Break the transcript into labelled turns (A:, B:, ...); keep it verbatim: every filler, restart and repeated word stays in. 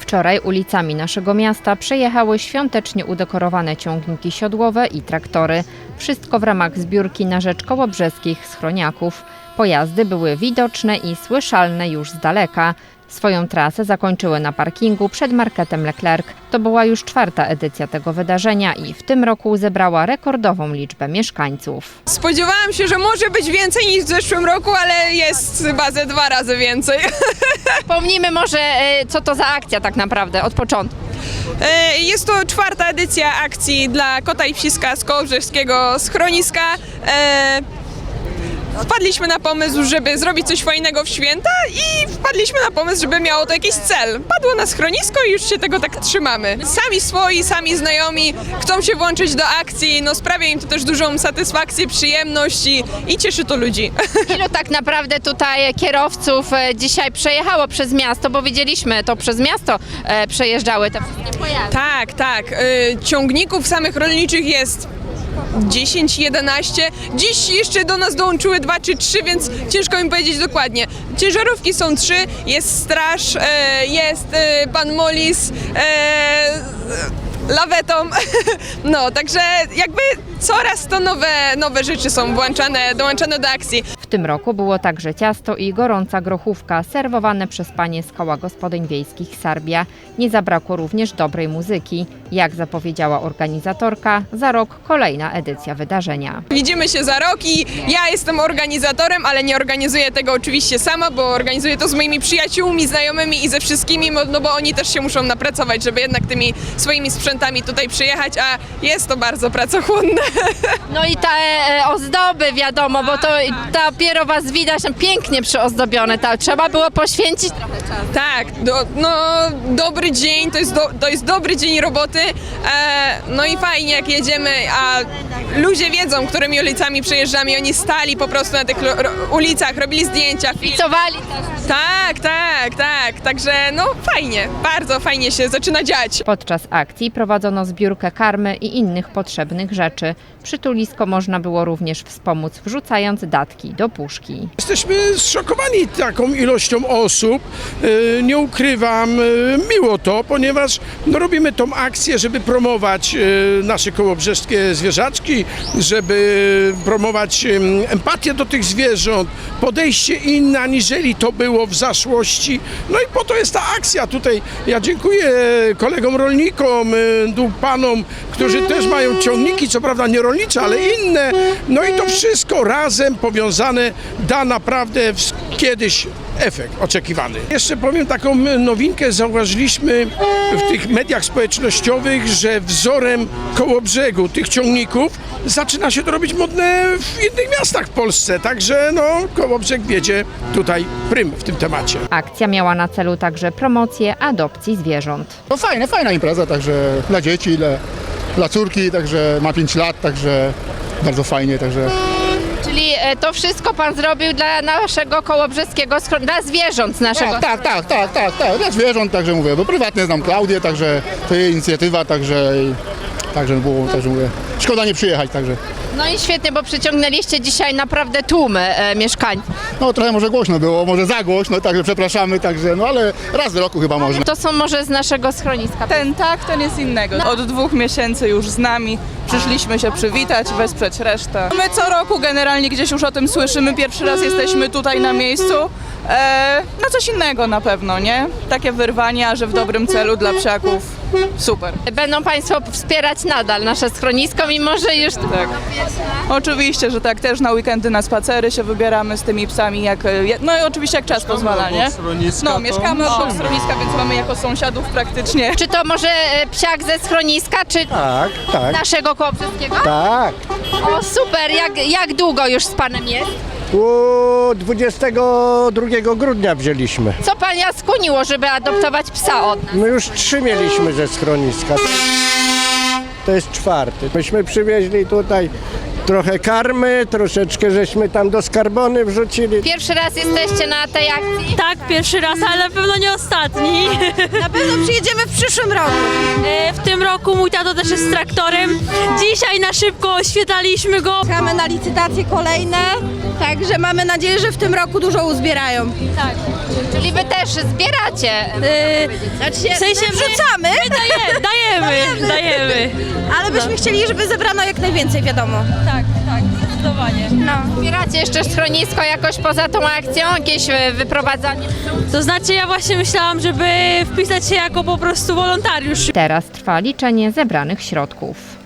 A: Wczoraj ulicami naszego miasta przejechały świątecznie udekorowane ciągniki siodłowe i traktory. Wszystko w ramach zbiórki na rzecz kołobrzeskich schroniaków. Pojazdy były widoczne i słyszalne już z daleka. Swoją trasę zakończyły na parkingu przed marketem Leclerc. To była już czwarta edycja tego wydarzenia i w tym roku zebrała rekordową liczbę mieszkańców.
B: Spodziewałam się, że może być więcej niż w zeszłym roku, ale jest chyba ze dwa razy więcej.
A: Wspomnijmy może, co to za akcja tak naprawdę od początku.
B: Jest to czwarta edycja akcji dla kota i psiska z kołobrzewskiego schroniska. Wpadliśmy na pomysł, żeby zrobić coś fajnego w święta i wpadliśmy na pomysł, żeby miało to jakiś cel. Padło na schronisko i już się tego tak trzymamy. Sami swoi, sami znajomi chcą się włączyć do akcji, no sprawia im to też dużą satysfakcję, przyjemność i, i cieszy to ludzi.
A: Ilu tak naprawdę tutaj kierowców dzisiaj przejechało przez miasto, bo widzieliśmy to przez miasto przejeżdżały te wszystkie pojazdy.
B: Tak, tak. Ciągników samych rolniczych jest dziesięć, jedenaście. Dziś jeszcze do nas dołączyły dwa czy trzy, więc ciężko mi powiedzieć dokładnie. Ciężarówki są trzy, jest straż, jest pan Molis, lawetą. No, także jakby coraz to nowe, nowe rzeczy są włączane, dołączane do akcji.
A: W tym roku było także ciasto i gorąca grochówka serwowane przez panie z Koła Gospodyń Wiejskich Sarbia. Nie zabrakło również dobrej muzyki. Jak zapowiedziała organizatorka, za rok kolejna edycja wydarzenia.
B: Widzimy się za rok i ja jestem organizatorem, ale nie organizuję tego oczywiście sama, bo organizuję to z moimi przyjaciółmi, znajomymi i ze wszystkimi, no bo oni też się muszą napracować, żeby jednak tymi swoimi sprzętami tutaj przyjechać, a jest to bardzo pracochłonne.
A: No i te e, ozdoby, wiadomo, bo to dopiero was widać pięknie przyozdobione. Ta, trzeba było poświęcić trochę czasu.
B: Tak, do, no dobry dzień, to jest, do, to jest dobry dzień roboty, e, no i fajnie jak jedziemy, a ludzie wiedzą, którymi ulicami przejeżdżamy, oni stali po prostu na tych ulicach, robili zdjęcia,
A: Picowali też.
B: Tak, tak, tak, także no fajnie, bardzo fajnie się zaczyna dziać.
A: Podczas akcji prowadzono zbiórkę karmy i innych potrzebnych rzeczy. Przytulisko można było również wspomóc, wrzucając datki do puszki.
C: Jesteśmy zszokowani taką ilością osób. Nie ukrywam, miło to, ponieważ no, robimy tą akcję, żeby promować nasze kołobrzeskie zwierzaczki, żeby promować empatię do tych zwierząt, podejście inne, aniżeli to było w zaszłości. No i po to jest ta akcja tutaj. Ja dziękuję kolegom rolnikom, panom, którzy też mają ciągniki, co prawda nie rolnicze, ale inne. No i to wszystko razem powiązane da naprawdę kiedyś efekt oczekiwany. Jeszcze powiem taką nowinkę, zauważyliśmy w tych mediach społecznościowych, że wzorem Kołobrzegu tych ciągników zaczyna się to robić modne w innych miastach w Polsce, także no Kołobrzeg wiedzie tutaj prym w tym temacie.
A: Akcja miała na celu także promocję adopcji zwierząt.
D: No fajne, fajna impreza, także dla dzieci, dla, dla córki, także ma pięć lat, także bardzo fajnie, także...
A: Czyli to wszystko pan zrobił dla naszego kołobrzeskiego, dla zwierząt z naszego...
D: Tak, tak, tak, tak, tak, dla zwierząt, także mówię, bo prywatnie znam Klaudię, także to jej inicjatywa, także, także było, także mówię, szkoda nie przyjechać, także...
A: No i świetnie, bo przyciągnęliście dzisiaj naprawdę tłumy e, mieszkańców.
D: No trochę może głośno było, może za głośno, także przepraszamy, także no ale raz w roku chyba można.
A: To są może z naszego schroniska.
E: Ten tak, ten jest innego. Od dwóch miesięcy już z nami. Przyszliśmy się przywitać, wesprzeć resztę. My co roku generalnie gdzieś już o tym słyszymy. Pierwszy raz jesteśmy tutaj na miejscu. E, na coś innego na pewno, nie? Takie wyrwania, że w dobrym celu dla psiaków. Super.
A: Będą państwo wspierać nadal nasze schronisko, mimo że już...
E: Tak. Oczywiście, że tak. Też na weekendy na spacery się wybieramy z tymi psami, jak, no i oczywiście jak czas pozwala, nie? No, mieszkamy obok schroniska, więc mamy jako sąsiadów praktycznie.
A: Czy to może e, psiak ze schroniska, czy
F: Tak, tak,
A: naszego kołobrzeskiego?
F: tak.
A: O super, jak, jak długo już z panem jest?
F: U dwudziestego drugiego grudnia wzięliśmy.
A: Co pana skłoniło, żeby adoptować psa od nas?
F: My już trzy mieliśmy ze schroniska. To jest czwarty. Myśmy przywieźli tutaj trochę karmy, troszeczkę żeśmy tam do skarbony wrzucili.
A: Pierwszy raz jesteście na tej akcji?
G: Tak, pierwszy raz, ale na pewno nie ostatni.
H: Na pewno przyjedziemy w przyszłym roku.
G: E, W tym roku mój tato też jest traktorem. Dzisiaj na szybko oświetlaliśmy go.
H: Czekamy na licytacje kolejne. Także mamy nadzieję, że w tym roku dużo uzbierają.
A: Czyli wy też zbieracie.
H: Znaczy się,
G: W sensie my-
H: wrzucamy,
G: My daje, dajemy, dajemy.
H: ale byśmy chcieli, żeby zebrano jak najwięcej, wiadomo.
G: Tak, tak, zdecydowanie.
H: No.
A: Zbieracie jeszcze schronisko jakoś poza tą akcją? Jakieś e, wyprowadzanie?
G: To znaczy ja właśnie myślałam, żeby wpisać się jako po prostu wolontariusz.
A: Teraz trwa liczenie zebranych środków.